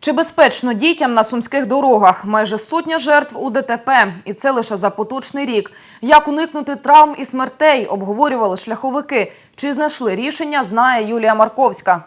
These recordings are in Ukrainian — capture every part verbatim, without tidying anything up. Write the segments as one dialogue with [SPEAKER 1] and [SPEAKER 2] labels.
[SPEAKER 1] Чи безпечно дітям на сумських дорогах? Майже сотня жертв у ДТП. І це лише за поточний рік. Як уникнути травм і смертей, обговорювали шляховики. Чи знайшли рішення, знає Юлія Марковська.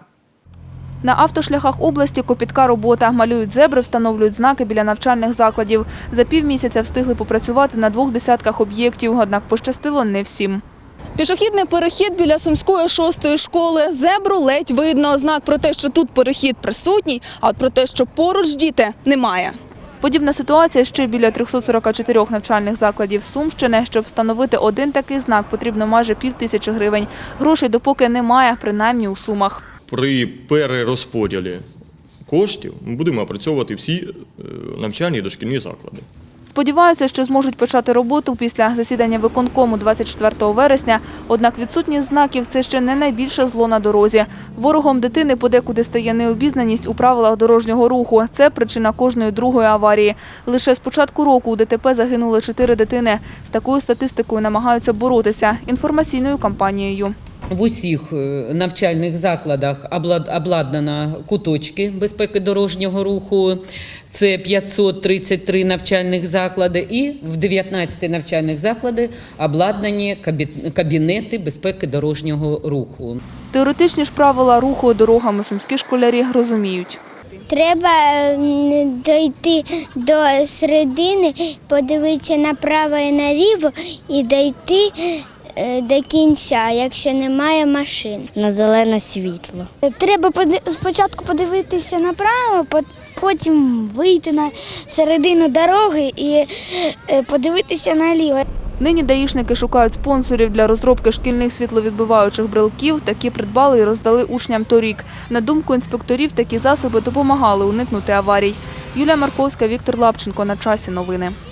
[SPEAKER 2] На автошляхах області копітка робота. Малюють зебри, встановлюють знаки біля навчальних закладів. За півмісяця встигли попрацювати на двох десятках об'єктів, однак пощастило не всім. Пішохідний перехід біля Сумської шостої школи. Зебру ледь видно. Знак про те, що тут перехід присутній, а от про те, що поруч діти, немає. Подібна ситуація ще біля трьохсот сорока чотирьох навчальних закладів Сумщини. Щоб встановити один такий знак, потрібно майже півтисячі гривень. Грошей допоки немає, принаймні у Сумах.
[SPEAKER 3] При перерозподілі коштів ми будемо опрацьовувати всі навчальні і дошкільні заклади.
[SPEAKER 2] Сподіваються, що зможуть почати роботу після засідання виконкому двадцять четвертого вересня. Однак відсутність знаків – це ще не найбільше зло на дорозі. Ворогом дитини подекуди стає необізнаність у правилах дорожнього руху. Це причина кожної другої аварії. Лише з початку року у ДТП загинули чотири дитини. З такою статистикою намагаються боротися інформаційною кампанією.
[SPEAKER 4] В усіх навчальних закладах обладнано куточки безпеки дорожнього руху. Це п'ятсот тридцять три навчальних заклади і в дев'ятнадцяти навчальних закладах обладнані кабінети безпеки дорожнього руху.
[SPEAKER 2] Теоретичні ж правила руху дорогами сумські школярі розуміють.
[SPEAKER 5] Треба дійти до середини, подивитися направо і наліво і дійти до кінця, якщо немає машин.
[SPEAKER 6] На зелене світло.
[SPEAKER 7] Треба спочатку подивитися направо, потім вийти на середину дороги і подивитися наліво.
[SPEAKER 2] Нині даїшники шукають спонсорів для розробки шкільних світловідбиваючих брелків. Такі придбали і роздали учням торік. На думку інспекторів, такі засоби допомагали уникнути аварій. Юлія Марковська, Віктор Лапченко. На часі новини.